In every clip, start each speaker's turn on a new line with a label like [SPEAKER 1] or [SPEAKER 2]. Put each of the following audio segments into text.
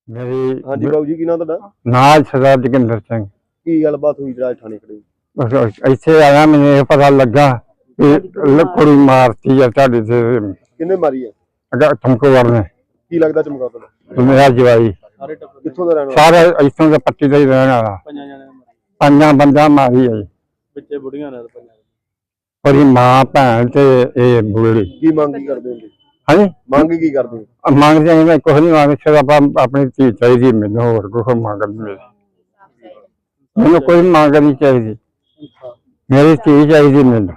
[SPEAKER 1] मेरी
[SPEAKER 2] हाँ जी बाबू जी की नाम ਤੁਹਾਡਾ
[SPEAKER 1] नाल सरदार जोगिंदर सिंह।
[SPEAKER 2] ਕੀ ਗੱਲਬਾਤ ਹੋਈ ਜਿਹੜਾ ਥਾਣੇ ਖੜੇ
[SPEAKER 1] बस इत्थे आया मैंने ये पता लगा कि कुड़ी मारती है ਤੁਹਾਡੇ से
[SPEAKER 2] ਕਿੰਨੇ ਮਾਰੀ ਹੈ
[SPEAKER 1] अगर तुमको वरने
[SPEAKER 2] ਕੀ ਲੱਗਦਾ ਚਮਕਾ ਤੁਹਾਡਾ
[SPEAKER 1] मेरा जवाई
[SPEAKER 2] ਕਿੱਥੋਂ ਦਾ ਰਹਿਣ ਵਾਲਾ
[SPEAKER 1] सारे इत्थों के पट्टी का ही रहने वाला पंजा बंदा मारी है
[SPEAKER 2] ਬੱਚੇ ਬੁੜੀਆਂ ਨਾਲ
[SPEAKER 1] और मां भैन ते ये बुढ़ी
[SPEAKER 2] ਕੀ मंग की ਕਰਦੇ ਹੋ
[SPEAKER 1] हाँ जी
[SPEAKER 2] ਮੰਗ ਕੀ ਕਰਦੇ ਹੋ
[SPEAKER 1] मंगते हैं मैं कुछ नहीं मांग सिर्फ अपनी धी चाहिए मैंने होर कुछ मंग नहीं मैंने कोई मंग नहीं चाहिए मेरी धी चाहिए मैंने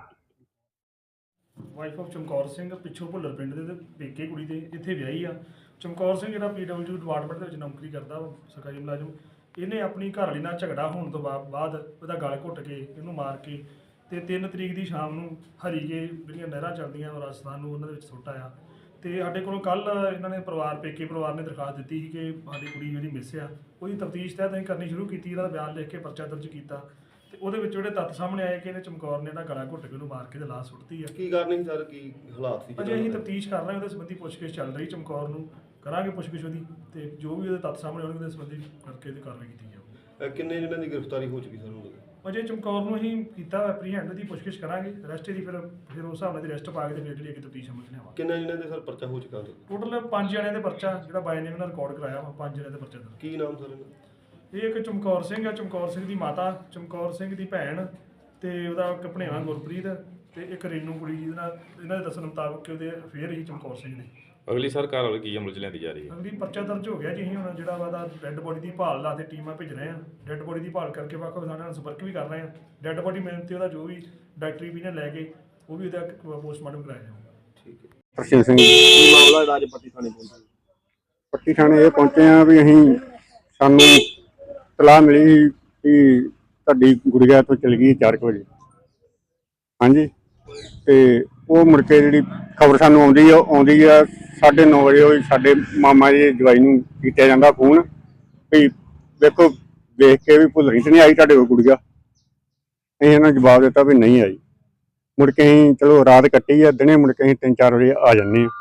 [SPEAKER 3] ਵਾਈਫ ਆਫ ਚਮਕੌਰ ਸਿੰਘ ਪਿੱਛੋਂ ਭੁੱਲਰ ਪਿੰਡ ਦੇ ਪੇਕੇ ਕੁੜੀ ਦੇ ਇੱਥੇ ਵਿਆਹੀ ਆ। ਚਮਕੌਰ ਸਿੰਘ ਜਿਹੜਾ PWD ਡਿਪਾਰਟਮੈਂਟ ਦੇ ਵਿੱਚ ਨੌਕਰੀ ਕਰਦਾ ਸਰਕਾਰੀ ਮੁਲਾਜ਼ਮ, ਇਹਨੇ ਆਪਣੀ ਘਰਵਾਲੀ ਨਾਲ ਝਗੜਾ ਹੋਣ ਤੋਂ ਬਾਅਦ ਉਹਦਾ ਗਲ ਘੁੱਟ ਕੇ ਇਹਨੂੰ ਮਾਰ ਕੇ ਤੇ 3 ਤਰੀਕ ਦੀ ਸ਼ਾਮ ਨੂੰ ਹਰੀਕੇ ਜਿਹੜੀਆਂ ਨਹਿਰਾਂ ਚੱਲਦੀਆਂ ਰਾਜਸਥਾਨ ਨੂੰ ਉਹਨਾਂ ਦੇ ਵਿੱਚ ਸੁੱਟ ਆਇਆ। ਤੇ ਸਾਡੇ ਕੋਲੋਂ ਕੱਲ ਇਹਨਾਂ ਨੇ ਪੇਕੇ ਪਰਿਵਾਰ ਨੇ ਦਰਖਾਸਤ ਦਿੱਤੀ ਸੀ ਕਿ ਸਾਡੀ ਕੁੜੀ ਜਿਹੜੀ ਮਿਸ ਆ ਉਹਦੀ ਤਫਤੀਸ਼ ਤਹਿਤ ਅਸੀਂ ਕਰਨੀ ਸ਼ੁਰੂ ਕੀਤੀ। ਇਹਦਾ ਬਿਆਨ ਲਿਖ ਕੇ ਪਰਚਾ ਦਰਜ ਕੀਤਾ ਤੇ ਉਹਦੇ ਵਿੱਚ ਜਿਹੜੇ ਤੱਥ ਸਾਹਮਣੇ ਆਏ ਕਿ ਇਹਨੇ ਚਮਕੌਰ ਨੇ ਇਹਦਾ ਗਲਾ ਘੁੱਟ ਕੇ ਉਹਨੂੰ ਮਾਰ ਕੇ ਤੇ ਲਾਸ਼ ਸੁੱਟਤੀ ਆ।
[SPEAKER 2] ਕੀ ਕਾਰਨ ਸੀ ਸਰ ਕੀ ਹਾਲਾਤ ਸੀ
[SPEAKER 3] ਅਜੇ ਅਸੀਂ ਤਫਤੀਸ਼ ਕਰ ਰਹੇ ਹਾਂ, ਉਹਦੇ ਸੰਬੰਧੀ ਪੁੱਛਗਿੱਛ ਚੱਲ ਰਹੀ। ਚਮਕੌਰ ਨੂੰ ਕਰਾਂਗੇ ਪੁੱਛਗਿੱਛ ਉਹਦੀ ਤੇ ਜੋ ਵੀ ਉਹਦੇ ਤੱਥ ਸਾਹਮਣੇ ਆਉਣਗੇ ਉਹਦੇ ਸੰਬੰਧੀ ਕਰਕੇ ਇਹਦੀ ਕਾਰਵਾਈ ਕੀਤੀ ਜਾਊਗੀ।
[SPEAKER 2] ਕਿੰਨੇ ਜਿਹਨਾਂ ਦੀ ਗ੍ਰਿਫਤਾਰੀ ਹੋ ਚੁੱਕੀ ਸਰ
[SPEAKER 3] ਅਜੇ ਚਮਕੌਰ ਨੂੰ ਅਸੀਂ ਕੀਤਾ ਐਪਰੀਹੈਂਡ ਦੀ ਪੁੱਛਗਿੱਛ ਕਰਾਂਗੇ। ਰੈਸਟ ਦੀ ਫਿਰ ਉਸ ਹਿਸਾਬ ਨਾਲ ਦੀ ਰੈਸਟ ਪਾ ਕੇ ਤੇ ਫਿਰ ਜਿਹੜੀ ਅੱਗੇ ਤਫਤੀਸ਼ ਅਮਲ 'ਚ ਲਿਆਵਾਂਗੇ।
[SPEAKER 2] ਕਿੰਨੇ ਜਿਹਨਾਂ ਦੇ ਸਰ ਪਰਚਾ ਹੋ ਚੁੱਕਾ
[SPEAKER 3] ਟੋਟਲ 5 ਜਣਿਆਂ ਦੇ ਪਰਚਾ ਜਿਹੜਾ ਬਾਈ ਨੇਮ ਨਾਲ ਰਿਕਾਰਡ ਕਰਾਇਆ ਵਾ, 5 ਜਣਿਆਂ ਦੇ ਪਰਚਾ ਦਰਜ।
[SPEAKER 2] ਕੀ ਨਾਮ ਸਰ
[SPEAKER 3] ਇਹ ਇੱਕ ਚਮਕੌਰ ਸਿੰਘ ਆ, ਚਮਕੌਰ ਸਿੰਘ ਦੀ ਮਾਤਾ, ਚਮਕੌਰ ਸਿੰਘ ਦੀ ਭੈਣ ਤੇ ਉਹਦਾ ਇੱਕ ਭਣੇਵਾ ਗੁਰਪ੍ਰੀਤ ਤੇ ਇੱਕ ਰੇਨੂ ਕੁੜੀ ਜਿਹਦੇ ਨਾਲ ਇਹਨਾਂ ਦੇ ਦੱਸਣ ਮੁਤਾਬਕ ਕਿ ਉਹਦੇ ਅਫੇਅਰ ਹੀ ਚਮਕੌਰ ਸਿੰਘ ਦੇ।
[SPEAKER 4] ਅਗਲੀ ਸਰਕਾਰ ਵੱਲ ਕੀ ਅਮਲ ਚ ਲਿਆਂਦੀ ਜਾ ਰਹੀ ਹੈ?
[SPEAKER 3] ਅਗਲੀ ਪਰਚਾ ਦਰਜ ਹੋ ਗਿਆ ਜੀ। ਅਸੀਂ ਹੁਣ ਜਿਹੜਾ ਵਾ ਡੈੱਡ ਬੋਡੀ ਦੀ ਭਾਲ ਲਾ ਤੇ ਟੀਮਾਂ ਭੇਜ ਰਹੇ ਹਾਂ। ਡੈੱਡ ਬੋਡੀ ਦੀ ਭਾਲ ਕਰਕੇ ਵੱਖ ਥਾਣਿਆਂ ਨਾਲ ਸੰਪਰਕ ਵੀ ਕਰ ਰਹੇ ਹਾਂ। ਡੈੱਡ ਬੋਡੀ ਮਿਲਣ ਤੇ ਉਹਦਾ ਜੋ ਵੀ ਡਾਕਟਰੀ opinion ਲੈ ਕੇ ਉਹ ਵੀ ਉਹਦਾ ਪੋਸਟਮਾਰਟਮ ਕਰਾਇਆ ਜਾਊਗਾ।
[SPEAKER 2] ਠੀਕ ਹੈ।
[SPEAKER 5] ਪ੍ਰਸ਼ੀਲ ਸਿੰਘ
[SPEAKER 2] ਕੀ ਮਾਮਲਾ ਰਾਜਪੱਟੀ ਥਾਣੇ ਪਹੁੰਚੇ?
[SPEAKER 5] ਪੱਟੀ ਥਾਣੇ ਇਹ ਪਹੁੰਚੇ ਆ ਵੀ ਅਸੀਂ ਸਾਨੂੰ ਇਤਲਾਹ ਮਿਲੀ ਕਿ ਤੁਹਾਡੀ ਗੁੜੀਆ ਤੋਂ ਚਲ ਗਈ 4 ਵਜੇ। ਹਾਂਜੀ ਤੇ ਉਹ ਮੁੜ ਕੇ ਜਿਹੜੀ ਖਬਰ ਸਾਨੂੰ ਆਉਂਦੀ ਆ 9:30 ਵਜੇ ਉਹ ਸਾਡੇ ਮਾਮਾ ਜੀ ਜਵਾਈ ਨੂੰ ਕੀਤਾ ਜਾਂਦਾ ਫੋਨ ਵੀ ਵੇਖੋ ਵੇਖ ਕੇ ਵੀ ਭੁੱਲਣੀ ਤੇ ਨਹੀਂ ਆਈ ਤੁਹਾਡੇ ਕੋਲ ਗੁੜੀਆ। ਅਸੀਂ ਇਹਨਾਂ ਜਵਾਬ ਦਿੱਤਾ ਵੀ ਨਹੀਂ ਆਈ। ਮੁੜ ਕੇ ਅਸੀਂ ਚਲੋ ਰਾਤ ਕੱਟੀ ਆ, ਦਿਨੇ ਮੁੜ ਕੇ ਅਸੀਂ 3-4 ਵਜੇ ਆ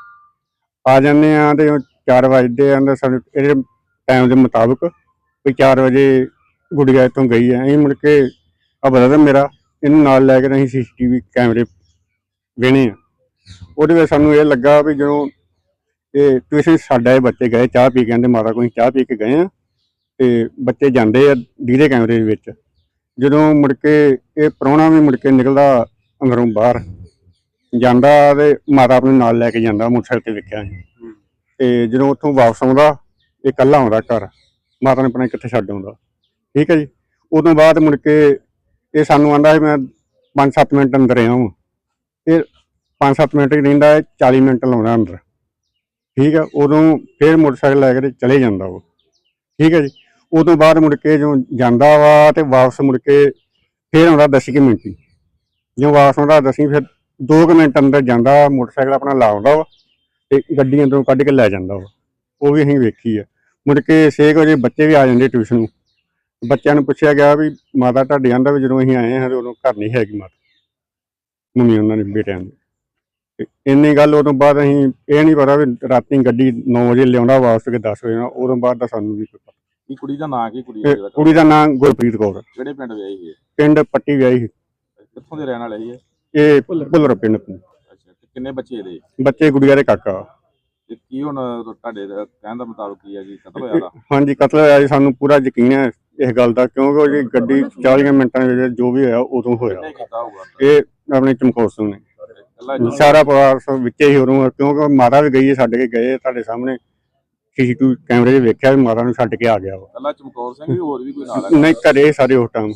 [SPEAKER 5] ਜਾਂਦੇ ਆ ਤੇ 4 ਵਜੇ ਆਂਦਾ ਸਾਨੂੰ ਇਹਦੇ ਟਾਈਮ ਦੇ ਮੁਤਾਬਕ ਵੀ 4 ਵਜੇ ਗੁੜੀਆ ਇੱਥੋਂ ਗਈ ਹੈ। ਅਸੀਂ ਮੁੜ ਕੇ ਬਰਦਰ ਮੇਰਾ ਇਹਨੂੰ ਨਾਲ ਲੈ ਕੇ ਅਸੀਂ CCTV ਕੈਮਰੇ ਵੇਣੇ ਆ। ਉਹਦੇ ਵਿੱਚ ਸਾਨੂੰ ਇਹ ਲੱਗਾ ਵੀ ਜਦੋਂ ਇਹ ਟਿਊਸ਼ਨ ਸਾਡਾ ਇਹ ਬੱਚੇ ਗਏ ਚਾਹ ਪੀ ਕੇ, ਕਹਿੰਦੇ ਮਾਤਾ ਕੋਲ ਚਾਹ ਪੀ ਕੇ ਗਏ ਆ ਤੇ ਬੱਚੇ ਜਾਂਦੇ ਆ ਡੀਰੇ ਕੈਮਰੇ ਦੇ ਵਿੱਚ। ਜਦੋਂ ਮੁੜ ਕੇ ਇਹ ਪ੍ਰਾਹੁਣਾ ਵੀ ਮੁੜ ਕੇ ਨਿਕਲਦਾ ਅੰਦਰੋਂ ਬਾਹਰ ਜਾਂਦਾ ਤੇ ਮਾਤਾ ਆਪਣੇ ਨਾਲ ਲੈ ਕੇ ਜਾਂਦਾ ਮੋਟਰਸਾਈਕਲ ਤੇ ਵੇਖਿਆ ਅਸੀਂ। ਤੇ ਜਦੋਂ ਉੱਥੋਂ ਵਾਪਸ ਆਉਂਦਾ ਇਹ ਇਕੱਲਾ ਆਉਂਦਾ ਘਰ, ਮਾਤਾ ਨੇ ਪਤਾ ਕਿੱਥੇ ਛੱਡ ਆਉਂਦਾ। ਠੀਕ ਹੈ ਜੀ। ਉਦੋਂ ਬਾਅਦ ਮੁੜ ਕੇ ਇਹ ਸਾਨੂੰ ਆਂਦਾ ਮੈਂ 5-7 ਮਿੰਟ ਅੰਦਰ ਰਿਹਾ ਵਾਂ। ਇਹ 5-7 ਮਿੰਟ ਹੀ ਰਹਿੰਦਾ, 40 ਮਿੰਟ ਲਾਉਂਦਾ ਅੰਦਰ। ਠੀਕ ਹੈ। ਉਦੋਂ ਫਿਰ ਮੋਟਰਸਾਈਕਲ ਲੈ ਕੇ ਚਲੇ ਜਾਂਦਾ ਉਹ। ਠੀਕ ਹੈ ਜੀ। ਉਦੋਂ ਬਾਅਦ ਮੁੜ ਕੇ ਜਦੋਂ ਜਾਂਦਾ ਵਾ ਤੇ ਵਾਪਸ ਮੁੜ ਕੇ ਫਿਰ ਆਉਂਦਾ 10 ਮਿੰਟ ਹੀ। ਜਦੋਂ ਵਾਪਸ ਆਉਂਦਾ 10 ਫਿਰ 2 ਮਿੰਟ ਅੰਦਰ ਜਾਂਦਾ, ਮੋਟਰਸਾਈਕਲ ਆਪਣਾ ਲਾਉਂਦਾ ਵਾ ਤੇ ਗੱਡੀ ਅੰਦਰੋਂ ਕੱਢ ਕੇ ਲੈ ਜਾਂਦਾ ਵਾ। ਉਹ ਵੀ ਅਸੀਂ ਵੇਖੀ ਆ। ਮੁੜ ਕੇ 6 ਵਜੇ ਬੱਚੇ ਵੀ ਆ ਜਾਂਦੇ ਟਿਊਸ਼ਨ ਨੂੰ। ਬੱਚਿਆਂ ਨੂੰ ਪੁੱਛਿਆ ਗਿਆ ਵੀ ਮਾਤਾ ਤੁਹਾਡੇ ਆਂਦਾ ਵੀ ਜਦੋਂ ਅਸੀਂ ਆਏ ਹਾਂ ਉਦੋਂ ਘਰ ਨਹੀਂ ਹੈਗੀ ਮਾਤਾ, ਮੰਮੀ ਉਹਨਾਂ ਨੇ ਬੇਟਿਆਂ ਦੀ। ਤੇ ਇੰਨੀ ਗੱਲ ਉਦੋਂ ਬਾਅਦ ਅਸੀਂ ਇਹ ਨਹੀਂ ਪਤਾ ਵੀ ਰਾਤੀ ਗੱਡੀ 9 ਵਜੇ ਲਿਆਉਂਦਾ ਵਾਪਸ ਕੇ 10 ਵਜੇ। ਉਦੋਂ ਬਾਅਦ ਦਾ ਸਾਨੂੰ ਵੀ ਪਤਾ।
[SPEAKER 4] ਕੀ ਕੁੜੀ ਦਾ ਨਾਂ ਕੀ?
[SPEAKER 5] ਕੁੜੀ ਦਾ ਨਾਂ ਗੁਰਪ੍ਰੀਤ ਕੌਰ।
[SPEAKER 4] ਕਿਹੜੇ ਪਿੰਡ ਵਿਆਹੀ ਹੈ?
[SPEAKER 5] ਪਿੰਡ ਪੱਟੀ ਵਿਆਹੀ ਸੀ।
[SPEAKER 4] ਕਿੱਥੋਂ ਦੇ ਰਹਿਣ ਵਾਲੇ ਹੈ?
[SPEAKER 5] ਇਹ ਭੁੱਲਰ ਪਿੰਡ।
[SPEAKER 4] ਅੱਛਾ, ਕਿੰਨੇ ਬੱਚੇ ਇਹਦੇ?
[SPEAKER 5] ਬੱਚੇ ਗੁੜੀਆ ਦੇ ਕਾਕਾ।
[SPEAKER 4] ਤੇ ਕੀ ਹੁਣ ਤੁਹਾਡੇ ਕਹਿਣ ਦਾ ਮੁਤਾਬਕ ਕੀ ਹੈ ਜੀ ਕਤਲ ਹੋਇਆ ਦਾ?
[SPEAKER 5] ਹਾਂਜੀ ਕਤਲ ਹੋਇਆ ਜੀ। ਸਾਨੂੰ ਪੂਰਾ ਯਕੀਨ ਹੈ ਇਸ ਗੱਲ ਦਾ ਕਿਉਂਕਿ ਉਹ ਜੀ ਗੱਡੀ 40 ਮਿੰਟਾਂ ਦੇ ਵਿੱਚ ਜੋ ਵੀ ਹੋਇਆ ਉਦੋਂ ਹੋਇਆ।
[SPEAKER 4] ਕਿਹਨੇ ਕੀਤਾ ਹੋਊਗਾ?
[SPEAKER 5] ਇਹ ਆਪਣੇ ਚਮਕੌਰ ਸਿੰਘ ਨੇ। ਸਾਰਾ ਪਰਿਵਾਰ ਵਿੱਚੇ ਹੀ ਉਦੋਂ, ਕਿਉਂਕਿ ਮਾਤਾ ਵੀ ਗਈ ਹੈ ਛੱਡ ਕੇ ਗਏ ਤੁਹਾਡੇ ਸਾਹਮਣੇ CCTV ਕੈਮਰੇ 'ਚ ਵੇਖਿਆ ਵੀ ਮਾਤਾ ਨੂੰ ਛੱਡ ਕੇ ਆ ਗਿਆ ਵਾ।
[SPEAKER 4] ਕੱਲਾ ਚਮਕੌਰ ਸਿੰਘ ਵੀ ਹੋਰ ਵੀ ਕੋਈ ਨਾਲ ਹੈ?
[SPEAKER 5] ਨਹੀਂ ਘਰੇ ਸਾਰੇ ਉਸ ਟਾਈਮ।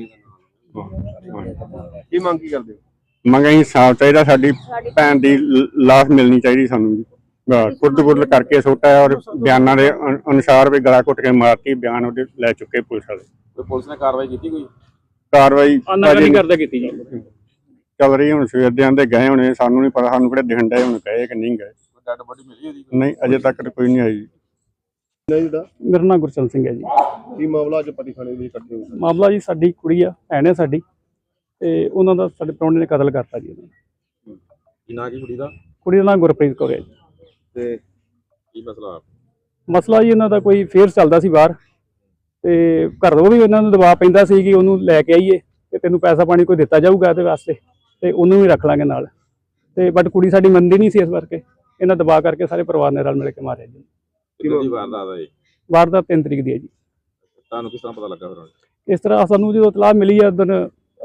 [SPEAKER 2] ਕੀ ਮੰਗ ਕੀ ਕਰਦੇ ਹੋ?
[SPEAKER 5] ਮੰਗ ਅਸੀਂ ਸਾਫ ਚਾਹੀਦਾ, ਸਾਡੀ ਭੈਣ ਦੀ ਲਾਸ਼ ਮਿਲਣੀ ਚਾਹੀਦੀ ਸਾਨੂੰ ਜੀ। ਕੁੱਟ ਕਰਕੇ ਸੁੱਟਿਆ ਔਰ ਬਿਆਨਾਂ ਦੇ ਅਨੁਸਾਰ ਵੀ ਗਲਾ ਘੁੱਟ ਕੇ ਮਾਰਤੀ। ਬਿਆਨ ਉਹਦੇ ਲੈ ਚੁੱਕੇ ਪੁਲਿਸ ਵਾਲੇ।
[SPEAKER 4] ਕੋਈ ਪੁਲਿਸ ਨੇ ਕਾਰਵਾਈ ਕੀਤੀ? ਕੋਈ
[SPEAKER 5] ਕਾਰਵਾਈ
[SPEAKER 6] ਕਰਦਾ ਕੀਤੀ
[SPEAKER 5] ਚੱਲ ਰਹੀ। ਹੁਣ ਸਵੇਰ ਦੇ ਆਂਦੇ ਗਏ ਹੋਣੇ, ਸਾਨੂੰ ਨਹੀਂ ਪਤਾ। ਸਾਨੂੰ ਕਿਹੜੇ ਦਿਖਣ ਡਏ ਹੁਣ ਗਏ ਕਿ ਨਹੀਂ ਗਏ।
[SPEAKER 4] ਡੈਡ ਬੋਡੀ ਮਿਲੀ ਉਹਦੀ?
[SPEAKER 5] ਨਹੀਂ ਅਜੇ ਤੱਕ ਕੋਈ ਨਹੀਂ ਆਈ।
[SPEAKER 2] ਨਹੀਂ ਜਿਹੜਾ
[SPEAKER 6] ਮੇਰਾ ਨਾਮ ਗੁਰਚਲ ਸਿੰਘ ਹੈ ਜੀ।
[SPEAKER 2] ਕੀ ਮਾਮਲਾ ਅੱਜ ਪੱਟੀ ਥਾਣੇ ਦੇ ਇਕੱਠੇ ਹੋਏ?
[SPEAKER 6] ਮਾਮਲਾ ਜੀ ਸਾਡੀ ਕੁੜੀ ਆ, ਭੈਣ ਹੈ ਸਾਡੀ, ਤੇ ਉਹਨਾਂ ਦਾ ਸਾਡੇ ਪ੍ਰਾਹੁਣੇ ਨੇ ਕਤਲ ਕਰਤਾ ਜੀ। ਉਹਨਾਂ
[SPEAKER 4] ਕੀ ਨਾਂ ਕੀ ਕੁੜੀ ਦਾ?
[SPEAKER 6] ਕੁੜੀ ਦਾ ਨਾਮ ਗੁਰਪ੍ਰੀਤ ਕੌਰ ਹੈ ਜੀ।
[SPEAKER 2] ਤੇ
[SPEAKER 4] ਕੀ ਮਸਲਾ?
[SPEAKER 6] ਮਸਲਾ ਜੀ ਇਹਨਾਂ ਦਾ ਕੋਈ ਫੇਅਰ ਚੱਲਦਾ ਸੀ ਬਾਹਰ, ਤੇ ਘਰੋਂ ਵੀ ਇਹਨਾਂ ਨੂੰ ਦਬਾਅ ਪੈਂਦਾ ਸੀ ਕਿ ਉਹਨੂੰ ਲੈ ਕੇ ਆਈਏ ਤੇ ਤੈਨੂੰ ਪੈਸਾ ਪਾਣੀ ਕੋਈ ਦਿੱਤਾ ਜਾਊਗਾ ਇਹਦੇ ਵਾਸਤੇ ਤੇ ਉਹਨੂੰ ਵੀ ਰੱਖ ਲਾਂਗੇ ਨਾਲ। ਤੇ ਬਟ ਕੁੜੀ ਸਾਡੀ ਮੰਨਦੀ ਨਹੀਂ ਸੀ, ਇਸ ਕਰਕੇ ਇਹਨਾਂ ਦਬਾਅ ਕਰਕੇ ਸਾਰੇ ਪਰਿਵਾਰ ਨੇ ਰਲ ਮਿਲ ਕੇ ਮਾਰਿਆ ਜੀ।
[SPEAKER 4] ਕਿਹਦੀ ਵਾਰਦਾਤ ਹੈ ਜੀ?
[SPEAKER 6] ਵਾਰਦਾਤ 3 ਤਰੀਕ ਦੀ ਹੈ ਜੀ।
[SPEAKER 4] ਤੁਹਾਨੂੰ ਕਿਸ ਤਰ੍ਹਾਂ ਪਤਾ ਲੱਗਾ ਫਿਰ?
[SPEAKER 6] ਇਸ ਤਰ੍ਹਾਂ ਸਾਨੂੰ ਜਦੋਂ ਇਤਲਾਹ ਮਿਲੀ ਆ ਦਿਨ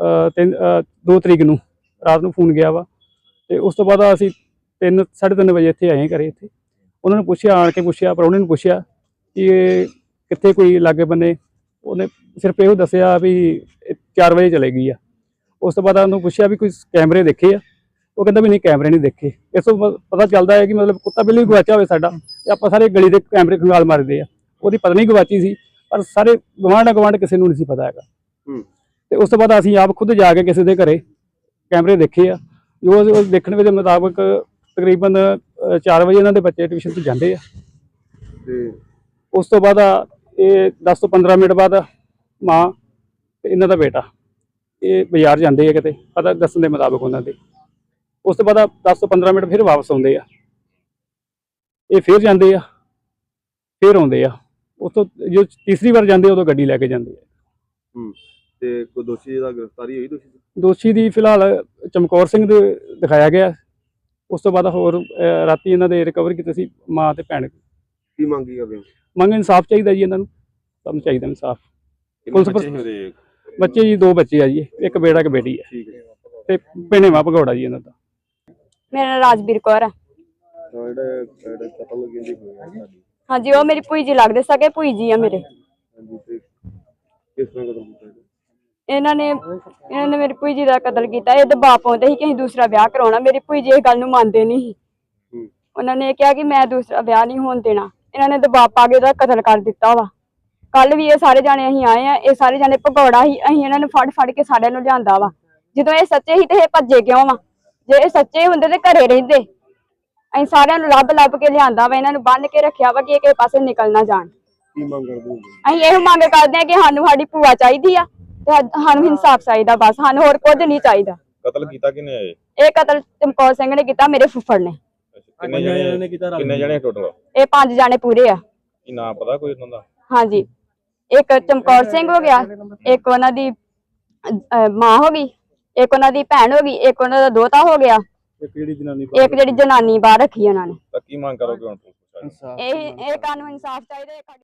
[SPEAKER 6] 2 ਤਰੀਕ ਨੂੰ ਰਾਤ ਨੂੰ ਫੋਨ ਗਿਆ ਵਾ, ਤੇ ਉਸ ਤੋਂ ਬਾਅਦ ਅਸੀਂ 3:30 ਵਜੇ ਇੱਥੇ ਆਏ ਘਰੇ। ਇੱਥੇ ਉਹਨਾਂ ਨੂੰ ਪੁੱਛਿਆ, ਆਣ ਕੇ ਪੁੱਛਿਆ, ਪ੍ਰਾਹੁਣੇ ਨੂੰ ਪੁੱਛਿਆ ਕਿ ਇਹ ਕਿੱਥੇ ਕੋਈ ਲਾਗੇ ਬੰਨੇ। ਉਹਨੇ ਸਿਰਫ ਇਹੋ ਦੱਸਿਆ ਵੀ 4 ਵਜੇ ਚਲੇ ਗਈ ਆ। ਉਸ ਤੋਂ ਬਾਅਦ ਉਹਨੂੰ ਪੁੱਛਿਆ ਵੀ ਕੋਈ ਕੈਮਰੇ ਦੇਖੇ ਆ? ਉਹ ਕਹਿੰਦਾ ਵੀ ਨਹੀਂ, ਕੈਮਰੇ ਨਹੀਂ ਦੇਖੇ। ਇਸ ਤੋਂ ਪਤਾ ਚੱਲਦਾ ਹੈ ਕਿ ਮਤਲਬ ਕੁੱਤਾ ਬਿੱਲੀ ਵੀ ਗਵਾਚਿਆ ਹੋਵੇ ਸਾਡਾ, ਤੇ ਆਪਾਂ ਸਾਰੇ ਗਲੀ ਦੇ ਕੈਮਰੇ ਖੰਗਾਲ ਮਾਰਦੇ ਆ। ਉਹਦੀ ਪਤਨੀ ਗਵਾਚੀ ਸੀ, ਪਰ ਸਾਰੇ ਗਵਾਂਢ ਕਿਸੇ ਨੂੰ ਨਹੀਂ ਸੀ ਪਤਾ ਹੈਗਾ। ਤੇ ਉਸ ਤੋਂ ਬਾਅਦ ਅਸੀਂ ਆਪ ਖੁਦ ਜਾ ਕੇ ਕਿਸੇ ਦੇ ਘਰੇ ਕੈਮਰੇ ਦੇਖੇ ਆ। ਜੋ ਦੇਖਣ ਦੇ ਮੁਤਾਬਕ ਤਕਰੀਬਨ 4 ਵਜੇ ਇਹਨਾਂ ਦੇ ਬੱਚੇ ਟਿਊਸ਼ਨ ਤੇ ਜਾਂਦੇ ਆ।
[SPEAKER 2] ਤੇ
[SPEAKER 6] ਉਸ ਤੋਂ ਬਾਅਦ ਇਹ 10 ਤੋਂ 15 ਮਿੰਟ ਬਾਅਦ ਮਾਂ ਤੇ ਇਹਨਾਂ ਦਾ ਬੇਟਾ ਇਹ ਬਾਜ਼ਾਰ ਜਾਂਦੇ ਆ ਕਿਤੇ, ਪਤਾ ਦੱਸਣ ਦੇ ਮੁਤਾਬਕ ਉਹਨਾਂ ਦੇ। ਉਸ ਤੋਂ ਬਾਅਦ 10 ਤੋਂ 15 ਮਿੰਟ ਫਿਰ ਵਾਪਸ ਆਉਂਦੇ ਆ। ਇਹ ਫਿਰ ਜਾਂਦੇ ਆ, ਫਿਰ ਆਉਂਦੇ ਆ। ਉਸ ਤੋਂ ਜੋ ਤੀਸਰੀ ਵਾਰ ਜਾਂਦੇ ਉਦੋਂ ਗੱਡੀ ਲੈ ਕੇ ਜਾਂਦੇ ਆ।
[SPEAKER 2] ਤੇ ਕੋਈ ਦੋਸ਼ੀ ਦਾ ਗ੍ਰਿਫਤਾਰੀ ਹੋਈ?
[SPEAKER 6] ਦੋਸ਼ੀ ਦੀ ਫਿਲਹਾਲ ਚਮਕੌਰ ਸਿੰਘ ਦੇ ਦਿਖਾਇਆ ਗਿਆ। ਉਸ ਤੋਂ ਬਾਅਦ ਹੋਰ ਰਾਤੀ ਇਹਨਾਂ ਦੇ ਰਿਕਵਰ ਕੀਤੇ ਸੀ ਮਾਂ ਤੇ ਭੈਣ।
[SPEAKER 2] ਕੀ ਮੰਗੀ ਕਰਦੇ ਹੋ?
[SPEAKER 6] ਮੰਗ ਇਨਸਾਫ ਚਾਹੀਦਾ ਜੀ ਇਹਨਾਂ ਨੂੰ, ਸਾਨੂੰ ਚਾਹੀਦਾ ਇਨਸਾਫ। ਪੁਲਿਸ ਬੱਚੇ ਜੀ 2 ਬੱਚੇ ਆ ਜੀ, ਇੱਕ ਬੇੜਾ ਇੱਕ ਬੇਟੀ ਹੈ।
[SPEAKER 2] ਠੀਕ ਹੈ।
[SPEAKER 6] ਤੇ ਭਿੰਨੇਵਾ ਭਗੌੜਾ ਜੀ ਇਹਨਾਂ ਦਾ।
[SPEAKER 7] ਮੇਰਾ ਨਾਮ ਰਾਜਵੀਰ ਕੌਰ ਹੈ।
[SPEAKER 2] ਜਿਹੜਾ ਕਤਲ ਕਹਿੰਦੀ ਹੋਇਆ ਸਾਡੀ,
[SPEAKER 7] ਹਾਂਜੀ, ਉਹ ਮੇਰੀ ਭੂਈ ਜੀ ਲੱਗਦੇ ਸਕੇ ਭੂਈ ਜੀ ਆ ਮੇਰੇ।
[SPEAKER 2] ਹਾਂਜੀ, ਤੇ ਕਿਸ ਤਰ੍ਹਾਂ ਕਤਲ ਕੀਤਾ?
[SPEAKER 7] ਇਹਨਾਂ ਨੇ ਮੇਰੀ ਭੂਈ ਜੀ ਦਾ ਕਤਲ ਕੀਤਾ। ਇਹ ਦਬਾਅ ਪਾਉਂਦੇ ਸੀ ਕਿ ਅਸੀਂ ਦੂਸਰਾ ਵਿਆਹ ਕਰਾਉਣਾ। ਮੇਰੀ ਭੂਈ ਜੀ ਇਹ ਗੱਲ ਨੂੰ ਮੰਨਦੇ ਨਹੀਂ ਸੀ। ਉਹਨਾਂ ਨੇ ਕਿਹਾ ਕਿ ਮੈਂ ਦੂਸਰਾ ਵਿਆਹ ਨਹੀਂ ਹੋਣ ਦੇਣਾ। ਇਹਨਾਂ ਨੇ ਦਬਾਅ ਪਾ ਕੇ ਉਹਦਾ ਕਤਲ ਕਰ ਦਿੱਤਾ ਵਾ। ਕੱਲ ਵੀ ਇਹ ਸਾਰੇ ਜਾਣੇ ਅਸੀਂ ਆਏ ਆ, ਇਹ ਸਾਰੇ ਜਾਣੇ ਭਗੌੜਾ ਸੀ। ਅਸੀਂ ਇਹਨਾਂ ਨੂੰ ਫੜ ਕੇ ਸਾਰਿਆਂ ਨੂੰ ਲਿਆਂਦਾ ਵਾ। ਜਦੋਂ ਇਹ ਸੱਚੇ ਸੀ ਤੇ ਇਹ ਭੱਜੇ ਕਿਉਂ ਵਾ? ਜੇ ਇਹ ਸੱਚੇ ਹੁੰਦੇ ਤੇ ਘਰੇ ਰਹਿੰਦੇ। ਅਸੀਂ ਸਾਰਿਆਂ ਨੂੰ ਲੱਭ ਕੇ ਲਿਆਂਦਾ ਵਾ, ਇਹਨਾਂ ਨੂੰ ਬੰਨ੍ਹ ਕੇ ਰੱਖਿਆ ਵਾ ਕਿ ਇਹ ਕਿਸੇ ਪਾਸੇ ਨਿਕਲ ਨਾ ਜਾਣ।
[SPEAKER 2] ਕੀ ਮੰਗ ਕਰਦੇ ਹੋ?
[SPEAKER 7] ਅਸੀਂ ਇਹੋ ਮੰਗ ਕਰਦੇ ਹਾਂ ਕਿ ਸਾਨੂੰ ਸਾਡੀ ਭੂਆ ਚਾਹੀਦੀ ਆ ਤੇ ਸਾਨੂੰ ਇਨਸਾਫ ਚਾਹੀਦਾ, ਬਸ ਸਾਨੂੰ ਹੋਰ ਕੁਝ ਨਹੀਂ ਚਾਹੀਦਾ।
[SPEAKER 4] ਕਤਲ ਕੀਤਾ ਕਿਨੇ ਆਏ?
[SPEAKER 7] ਇਹ ਕਤਲ ਚਮਕੌਰ ਸਿੰਘ ਨੇ ਕੀਤਾ, ਮੇਰੇ ਫੁੱਫੜ ਨੇ।
[SPEAKER 4] ਕਿੰਨੇ ਜਣੇ ਟੋਟਲ?
[SPEAKER 7] ਇਹ 5 ਜਾਣੇ ਪੂਰੇ ਆ।
[SPEAKER 4] ਕੀ ਨਾਮ ਪਤਾ ਕੋਈ ਉਹਨਾਂ ਦਾ?
[SPEAKER 7] ਹਾਂਜੀ, ਇੱਕ ਚਮਕੌਰ ਸਿੰਘ ਹੋ ਗਿਆ, ਇੱਕ ਉਹਨਾਂ ਦੀ ਮਾਂ ਹੋ ਗਈ, ਇੱਕ ਉਹਨਾਂ ਦੀ ਭੈਣ ਹੋ ਗਈ, ਇੱਕ ਉਹਨਾਂ ਦਾ ਦੋਤਾ ਹੋ ਗਿਆ, ਇੱਕ ਜਿਹੜੀ ਜਨਾਨੀ ਬਾਹਰ ਰੱਖੀ ਉਹਨਾਂ ਨੇ।
[SPEAKER 4] ਤਾਂ ਕੀ ਮੰਗ ਕਰੋਗੇ ਹੁਣ?
[SPEAKER 7] ਇਹ ਕਾਨੂੰਨ ਇਨਸਾਫ ਚਾਹੀਦਾ।